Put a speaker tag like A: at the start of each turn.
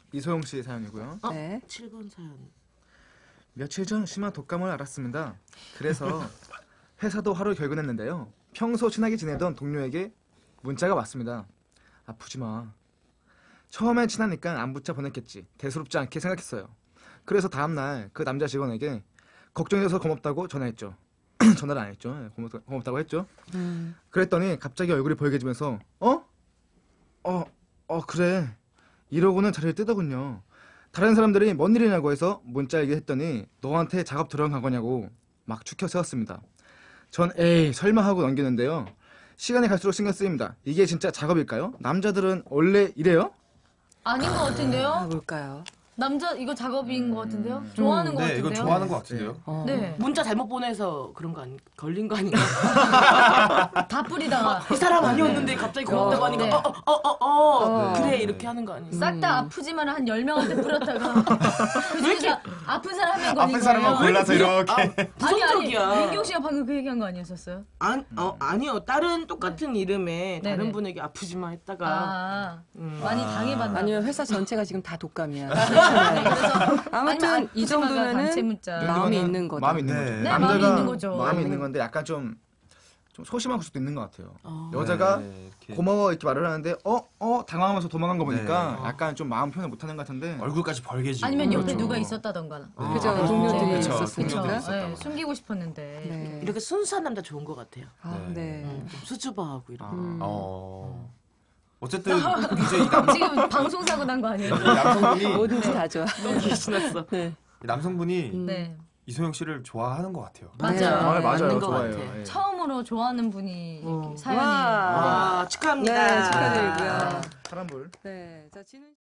A: 이소영 씨 사연이고요.
B: 네.
C: 7번 사연.
A: 며칠 전 심한 독감을 앓았습니다. 그래서 회사도 하루 결근했는데요. 평소 친하게 지내던 동료에게 문자가 왔습니다. 아프지 마. 처음엔 친하니까 안부차 보냈겠지. 대수롭지 않게 생각했어요. 그래서 다음날 그 남자 직원에게 걱정해줘서 고맙다고 전화했죠. 전화를 안 했죠. 고맙다고 했죠. 그랬더니 갑자기 얼굴이 벌개지면서 그래. 이러고는 자리를 뜨더군요. 다른 사람들이 뭔 일이냐고 해서 문자 얘기했더니 너한테 작업 들어간 거냐고 막 추켜 세웠습니다. 전 에이 설마 하고 넘기는데요. 시간이 갈수록 신경 쓰입니다. 이게 진짜 작업일까요? 남자들은 원래 이래요?
D: 아닌 것
B: 아,
D: 같은데요?
B: 뭘까요?
D: 남자 이거 작업인 것 같은데요? 좋아하는 것
E: 네,
D: 같은데요?
E: 이건 좋아하는 것 같은데요.
D: 네.
C: 문자 잘못 보내서 그런 거 아니 걸린 거 아닌가?
D: 다 뿌리다가
C: 이 사람 아니었는데 갑자기 고맙다고 하니까
D: 네.
C: 그래 이렇게 하는 거 아니에요?
D: 싹 다 아프지만 한 10명한테 뿌렸다가 그중에서 아픈 사람 한 명 걸린
E: 아픈 사람만
D: 거예요?
E: 골라서 이렇게.
C: 부정적이야.
D: 민경 씨가 방금 그 얘기한 거 아니었었어요?
C: 아니요. 다른 똑같은 이름에
D: 네네.
C: 다른 분에게 아프지 마 했다가
D: 아, 많이 당해봤나?
B: 아니요, 회사 전체가 지금 다 독감이야.
D: 네, 그래서
B: 아무튼
D: 아니,
B: 이
D: 아프지 마가 단체
B: 정도면은
D: 문자.
B: 마음이
A: 이거는
B: 있는 거죠.
A: 마음이 있는
E: 네.
A: 거죠.
E: 네,
A: 남자가
D: 마음이 있는 거죠.
A: 마음이 있는 건데 약간 좀 소심한 수도 있는 것 같아요.
C: 어.
A: 여자가
E: 네, 이렇게
A: 고마워 이렇게 말을 하는데 당황하면서 도망간 거 보니까
E: 네.
A: 약간 좀 마음 표현을 못하는 것 같은데
E: 얼굴까지 벌개지고.
D: 아니면 옆에
A: 그렇죠.
D: 누가 있었다던가.
B: 그죠,
E: 아,
B: 동료들이
E: 그쵸,
B: 있었으니까.
E: 동료들이
D: 네,
E: 있었다고.
D: 숨기고 싶었는데.
B: 네.
C: 이렇게 순수한 남자 좋은 것 같아요.
B: 아, 네.
C: 좀 수줍어하고 이렇게.
E: 어쨌든 이제 이
D: 지금 방송 사고 난 거 아니에요?
E: 남성분이
B: 뭐든지 다 좋아.
C: 너무 신났어.
B: 네.
E: 남성분이
D: 네.
E: 이소영 씨를 좋아하는 것 같아요.
D: 맞아요.
B: 네.
A: 맞아요.
C: 맞는 것
A: 좋아요.
C: 같아.
A: 예.
D: 처음으로 좋아하는 분이 이렇게 사연이.
C: 와, 축하합니다.
B: 네, 축하드리고요.
A: 파란불.
B: 네. 자, 진은